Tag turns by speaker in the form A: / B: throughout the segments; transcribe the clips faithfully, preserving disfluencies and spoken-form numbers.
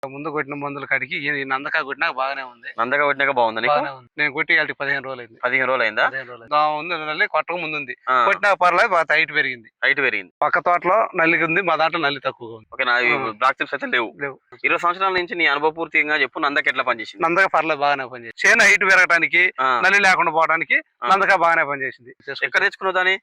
A: ముందు కొట్టిన మందుల కాడికి ఈ నందక కొట్టినాక బాగానే ఉంది.
B: నందక కొట్టినాక బాగుంది నీకు?
A: బాగానే ఉంది. నేను కొట్టి వాళ్ళకి పదిహేను రోజులు అయింది.
B: పదిహేను రోజులు అయిందా?
A: పదిహేను రోజులు అయింది. ఉంది నల్లి కొట్టక ముందు ఉంది. కొట్టినాక పర్లేదు బాగా హైట్ పెరిగింది.
B: హైట్ పెరిగింది.
A: పక్క తోటలో నల్లి ఉంది, మా దాంట్లో నల్లి తక్కువగా ఉంది.
B: ఓకే, నా బ్లాక్ చిప్స్ అయితే లేవు.
A: లేవు.
B: ఇరవై సంవత్సరాల నుంచి నీ అనుభవ పూర్తిగా చెప్పు, నందక ఎట్లా పనిచేసింది?
A: నందక పర్లేదు బాగానే పనిచేసింది. చేను హైట్ పెరగడానికి, నల్లి లేకుండా పోవడానికి నందక బాగానే పనిచేసింది.
B: ఎక్కడ తెచ్చుకున్నావు దాన్ని?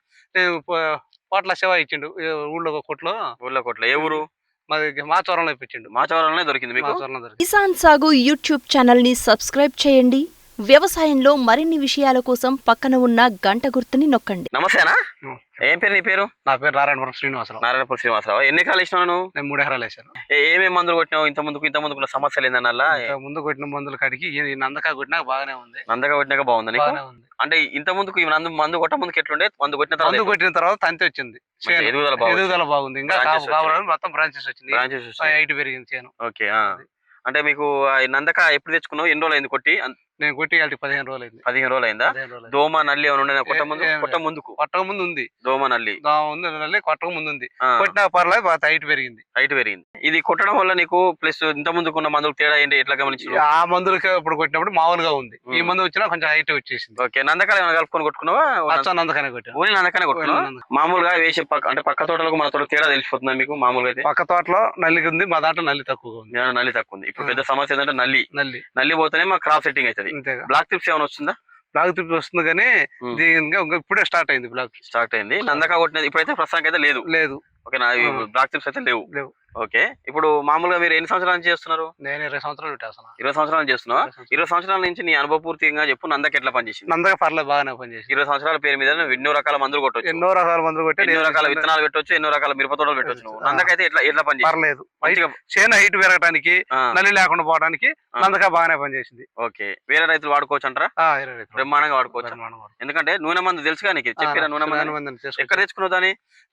A: కోట్ల శివ ఇచ్చిండు ఊళ్ళో కొట్లో.
B: ఊళ్ళో కొట్లో ఏ ఊరు?
A: మాది మాచవరంలో ఇప్పించిండు.
B: మాచవరంలోనే దొరికింది మీకు?
C: కిసాన్ సాగు యూట్యూబ్ ఛానల్ ని సబ్స్క్రైబ్ చేయండి. వ్యవసాయంలో మరిన్ని విషయాల కోసం పక్కన ఉన్న గంట గుర్తుని నొక్కండి.
B: నమస్తేనా? ఏం పేరు నీ పేరు?
A: నా పేరు నారాయణపురం శ్రీనివాసరావు.
B: నారాయణపురం శ్రీనివాసరావు. ఎన్ని ఎకరాలు ఇచ్చినావు నువ్వు?
A: నేను మూడు ఎకరాలు వేసాను.
B: ఏమేమి మందులు కొట్టినావు? ఇంత ముందుకు ఇంత ముందుకున్న సమస్యలు ఏందన్నల్లా?
A: ముందు కొట్టిన మందుల కాడికి ఈ నందక కొట్టినాక బాగానే ఉంది.
B: నందక కొట్టినాక బాగుంది నీకు? అంటే ఇంత ముందుకు మందు మందు కొట్ట ముందుకు ఎట్లుండే? మందు కొట్టిన తర్వాత
A: మందు కొట్టిన తర్వాత తంతి వచ్చింది. ఎదుగుదల బాగుంది. ఇంకా కావాలని మొత్తం బ్రాంచెస్ వచ్చింది.
B: బ్రాంచెస్
A: హైట్ పెరిగింది చేను.
B: ఓకే. అంటే మీకు నందక ఎప్పుడు తెచ్చుకున్నావు? ఎన్ని రోజులు అయింది కొట్టి?
A: నేను కొట్టి వాళ్ళకి పదిహేను రోజులు అయింది.
B: పదిహేను రోజులు అయిందా? దోమ నల్లి ఏమైనా ఉండే కొట్ట ముందు? కొట్ట ముందుకు
A: కొట్టక ముందు ఉంది
B: దోమ నల్లి.
A: ఉంది నల్లి కొట్టక ముందు ఉంది. కొట్టినా పర్లేదు బాగా హైట్ పెరిగింది.
B: హైట్ పెరిగింది. ఇది కొట్టడం వల్ల నీకు ప్లస్ ఇంత ముందుకున్న మందులకు తేడా ఏంటి? ఎట్లా గమనించు?
A: ఆ మందులకి ఇప్పుడు కొట్టినప్పుడు మామూలుగా ఉంది. ఈ మందు వచ్చినా కొంచెం హైట్ వచ్చేసింది.
B: ఓకే. నందకాలు ఏమైనా కలుపుకొని కొట్టుకున్నావా?
A: నందకానే కొట్టాను.
B: ఓన్లీ నందకానే కొట్టుకున్నావు? మామూలుగా వేసే పక్క అంటే పక్క తోటలకు మన తోట తేడా తెలిసిపోతుందా మీకు? మామూలుగా అయితే
A: పక్క తోటలో నల్లి ఉంది, మా దాంట్లో నల్లి తక్కువగా ఉంది.
B: నల్లి తక్కువ ఉంది. ఇప్పుడు పెద్ద సమస్య ఏంటంటే నల్లి.
A: నల్లి
B: నల్లి పోతేనే మా క్రాప్ సెట్టింగ్ అవుతుంది. బ్లాక్ టిప్స్ ఏమైనా వస్తుందా?
A: బ్లాక్ టిప్స్ వస్తుంది కానీ ఇప్పుడే స్టార్ట్ అయింది. బ్లాక్
B: స్టార్ట్ అయింది. నందక కొట్టినది ఇప్పుడైతే ప్రస్తుతానికి అయితే లేదు.
A: లేదు.
B: ఓకే. నా బ్లాక్ టిప్స్ అయితే లేవు.
A: లేవు.
B: ఓకే. ఇప్పుడు మామూలుగా మీరు ఎన్ని సంవత్సరాల నుంచి చేస్తున్నారు?
A: నేను ఇరవై సంవత్సరాలు పెట్టేస్తున్నా.
B: ఇరవై సంవత్సరాలు చేస్తున్నావా? ఇరవై సంవత్సరాల నుంచి నీ అనుభవ పూర్తిగా చెప్పు, నందక ఎట్లా పనిచేసింది?
A: నందక పర్లేదు బాగానే పనిచేసింది.
B: ఇరవై సంవత్సరాల పేరు మీద ఎన్నో రకాల మందులు కొట్టవచ్చు.
A: ఎన్నో రకాల మందులు కొట్టి
B: ఎన్నో రకాల విత్తనాలు పెట్టవచ్చు, ఎన్నో రకాల మిరప తోటలు పెట్టవచ్చు. నందక అయితే ఎట్లా ఎట్లా పనిచేసింది?
A: పర్లేదు. చేను హైట్ పెరగడానికి, నల్లి లేకుండా పోవడానికి నందక బాగానే పనిచేసింది.
B: ఓకే. వేరే రైతులు వాడుకోవచ్చు అంటారా? బ్రహ్మాండంగా వాడుకోవచ్చు. ఎందుకంటే నూనె మందు తెలుసుగా నీకు? చెప్పారా నూనె మందు? ఎక్కడ తెచ్చుకున్నావు దాన్ని?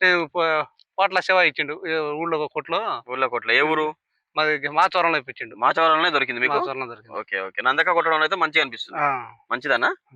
A: కోట్ల శివ ఇచ్చిండు ఊళ్ళో కొట్లో.
B: ఊళ్ళో కొట్లో ఏ ఊరు?
A: మాది మాచవరంలో ఇప్పించిండు.
B: మాచవరంలోనే దొరికింది మీకు?
A: దొరికింది.
B: ఓకే. ఓకే. నందక కొట్టడం అయితే మంచిగా అనిపిస్తుంది. మంచిదన్నా?